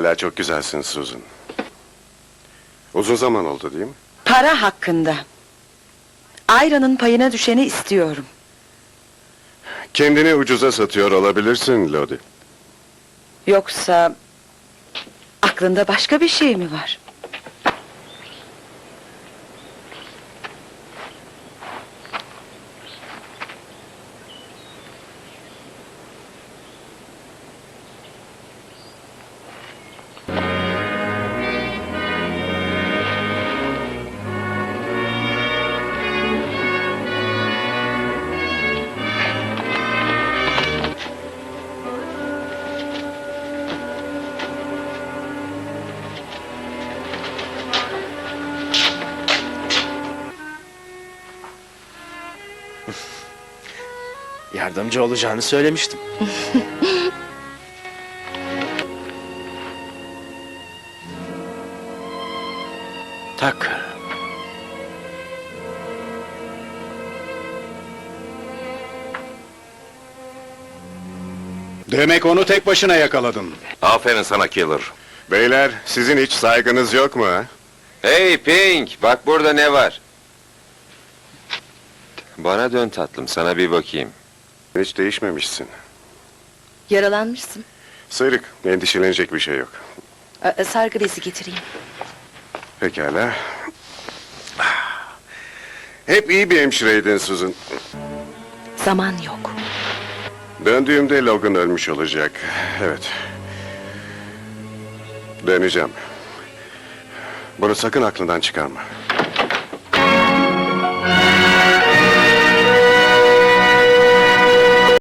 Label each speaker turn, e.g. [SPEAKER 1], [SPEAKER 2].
[SPEAKER 1] Hala çok güzelsin Susan. Uzun zaman oldu değil mi?
[SPEAKER 2] Para hakkında. Ayra'nın payına düşeni istiyorum.
[SPEAKER 1] Kendini ucuza satıyor olabilirsin Lodi.
[SPEAKER 2] Yoksa... aklında başka bir şey mi var?
[SPEAKER 3] Yardımcı olacağını söylemiştim. Tucker.
[SPEAKER 4] Demek onu tek başına yakaladın.
[SPEAKER 5] Aferin sana Killer.
[SPEAKER 1] Beyler, sizin hiç saygınız yok mu ha?
[SPEAKER 5] Hey Pink, bak burada ne var? Bana dön tatlım, sana bir bakayım.
[SPEAKER 1] Hiç değişmemişsin.
[SPEAKER 6] Yaralanmışsın.
[SPEAKER 1] Sıyrık, endişelenecek bir şey yok.
[SPEAKER 6] Sargı bezi getireyim.
[SPEAKER 1] Pekala. Hep iyi bir hemşireydin Susan.
[SPEAKER 6] Zaman yok.
[SPEAKER 1] Döndüğümde Logan ölmüş olacak. Evet. Döneceğim. Bunu sakın aklından çıkarma.